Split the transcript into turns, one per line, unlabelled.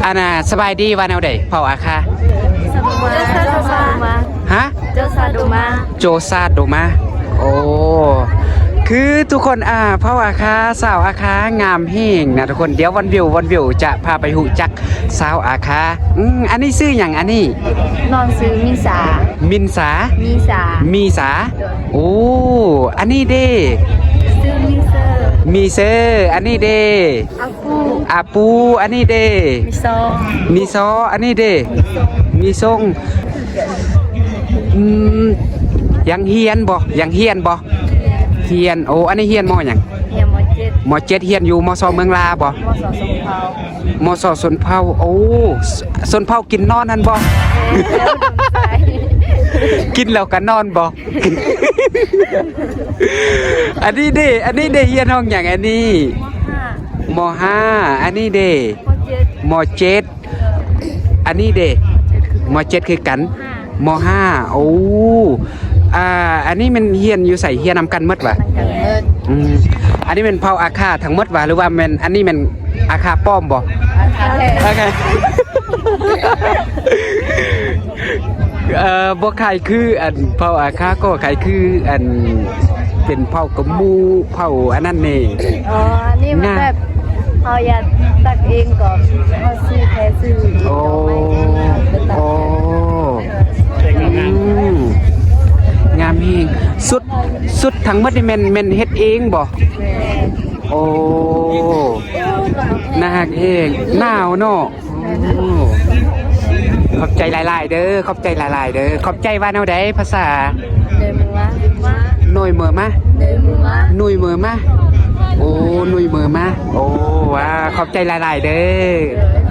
อันน่ะสบายดีว่าแนวใดเผ่าอาคาฮะโจซาโดมาโอ้คือทุกคนเผ่าอาคาสาวอาคางามเฮงนะทุกคนเดี๋ยววันวิวจะพาไปหูจักสาวอาคาอันนี้ชื่ออย่างอันนี้
นอนซื้อมินสา
มีสาโอ้อันนี้เด้
ซื้อ
มีเซอร์อันนี้เด้อาปูอันนี้เด้มีซออันนี้เด้มีทรงยังเฮียนบ่เฮียนโอ้อันนี้เฮียนมอหยังมอ7เฮียนอยู่มอ2เมืองลาบ่มอ2สนเผาโอ้สนเผากินนอนนั่นบ่กินแล้วก็นอนบ่อันนี้เด้เฮียนห้องหยังอันนี้ม5อันนี้เด้ม7อันนี้เด้ม7คือกันม5โอ้อันนี้มันเฮียนอยู่ใส่เฮียนนำกันหมดวะอันนี้เป็นเผาอาคาทั้งหมดวะหรือว่ามันอันนี้มันอาคาป้อมบ่อาคาบ่ใครคืออันเผาอาคาก็ใครคืออันเป็นเผากระมูเผาอันนั้นนี่
อ๋อนี่มันแบบเอาอยากตักเองก่อนเอาซื้อแค่ซื้อ
โอ้งามเฮงสุดทั้งหมดนี่แม่นเฮ็ดเองบ่โอ้น่าฮักเองหนาวเนาะขอบใจหลายๆเด้อขอบใจว่าแนวใดภาษาหน่วยมือมาโอ้หน่วยมือมาโอ้ว้าขอบใจหลายๆเด้อ